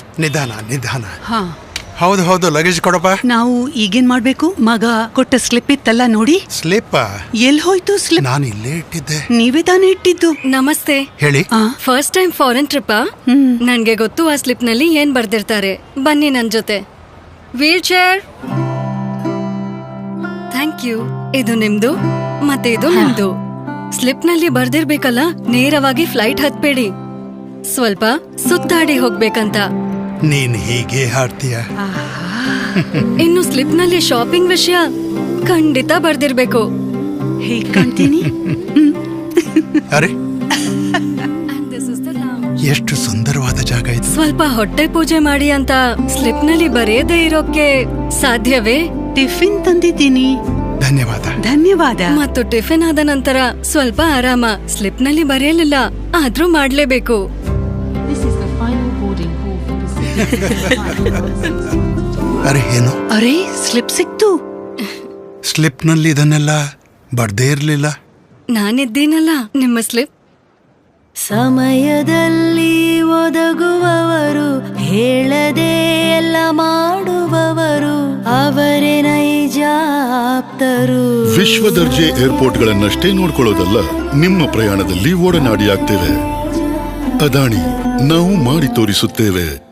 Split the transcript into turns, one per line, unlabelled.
ನಿಧಾನ ನಿಧಾನ.
ಹಾ
ಹೌದು ಹೌದು, ಲಗೇಜ್ ಕೊಡಪ್ಪ.
ನಾವು ಈಗೇನ್ ಮಾಡ್ಬೇಕು? ಮಗ ಕೊಟ್ಟ ಸ್ಲಿಪ್ ಇತ್ತಲ್ಲ ನೋಡಿ.
ಸ್ಲಿಪ್?
ಎಲ್ ಹೋಯ್ತು ಸ್ಲಿಪ್?
ನಾನು ಇಲ್ಲೇ ಇಟ್ಟಿದ್ದೆ.
ನೀವೇ ತಾನೇ ಇಟ್ಟಿದ್ದು.
ನಮಸ್ತೆ.
ಹೇಳಿ.
First time foreign trip. ನನ್ಗೆ ಗೊತ್ತು ಆ ಸ್ಲಿಪ್ ನಲ್ಲಿ ಏನ್ ಬರ್ದಿರ್ತಾರೆ. ಬನ್ನಿ ನನ್ ಜೊತೆ. Wheelchair. Thank you. ಇದು ನಿಮ್ದು ಮತ್ತೆ ಇದು ನಿಮ್ದು. ಸ್ಲಿಪ್ ನಲ್ಲಿ ಬರ್ದಿರ್ಬೇಕಲ್ಲ, ನೇರವಾಗಿ ಫ್ಲೈಟ್ ಹತ್ಬೇಡಿ, ಸ್ವಲ್ಪ ಸುತ್ತಾಡಿ ಹೋಗ್ಬೇಕಂತ.
ನೀನ್ ಹೀಗೆ ಹಾಡ್ತೀಯ.
ಇನ್ನು ಸ್ಲಿಪ್ ನಲ್ಲಿ ಶಾಪಿಂಗ್ ವಿಷಯ ಖಂಡಿತ ಬರ್ದಿರ್ಬೇಕು.
ಹೇಗ್ ಕಾಣ್ತೀನಿ?
ಅರೆ, ಎಷ್ಟು ಸುಂದರವಾದ ಜಾಗ ಇದು.
ಸ್ವಲ್ಪ ಹೊಟ್ಟೆ ಪೂಜೆ ಮಾಡಿ ಅಂತ ಸ್ಲಿಪ್ ನಲ್ಲಿ ಬರೆಯದೇ ಇರೋಕೆ ಸಾಧ್ಯವೇ?
ಟಿಫಿನ್ ತಂದಿದ್ದೀನಿ.
ಧನ್ಯವಾದ.
ಧನ್ಯವಾದ.
ಮತ್ತು ಟಿಫಿನ್ ಆದ ನಂತರ ಸ್ವಲ್ಪ ಆರಾಮ. ಸ್ಲಿಪ್ ನಲ್ಲಿ ಬರೆಯಲಿಲ್ಲ, ಆದ್ರೂ ಮಾಡ್ಲೇಬೇಕು.
ಅರೆ ಏನು?
ಅರೆ, ಸ್ಲಿಪ್ ಸಿಕ್ತು.
ಸ್ಲಿಪ್ ನಲ್ಲಿ ಇದನ್ನೆಲ್ಲ ಬರ್ದೇ ಇರ್ಲಿಲ್ಲ.
ನಾನಿದ್ದೀನಲ್ಲ ನಿಮ್ಮ ಸ್ಲಿಪ್.
ಸಮಯದಲ್ಲಿ ಒದಗುವವರು, ಹೇಳದೆ ಎಲ್ಲ ಮಾಡುವವರು, ಅವರೇ ನೈಜ ಆಪ್ತರು.
ವಿಶ್ವದರ್ಜೆ ಏರ್ಪೋರ್ಟ್ಗಳನ್ನಷ್ಟೇ ನೋಡ್ಕೊಳ್ಳೋದಲ್ಲ, ನಿಮ್ಮ ಪ್ರಯಾಣದಲ್ಲಿ ಒಡನಾಡಿಯಾಗ್ತೇವೆ. ಅದಾಣಿ, ನಾವು ಮಾಡಿ ತೋರಿಸುತ್ತೇವೆ.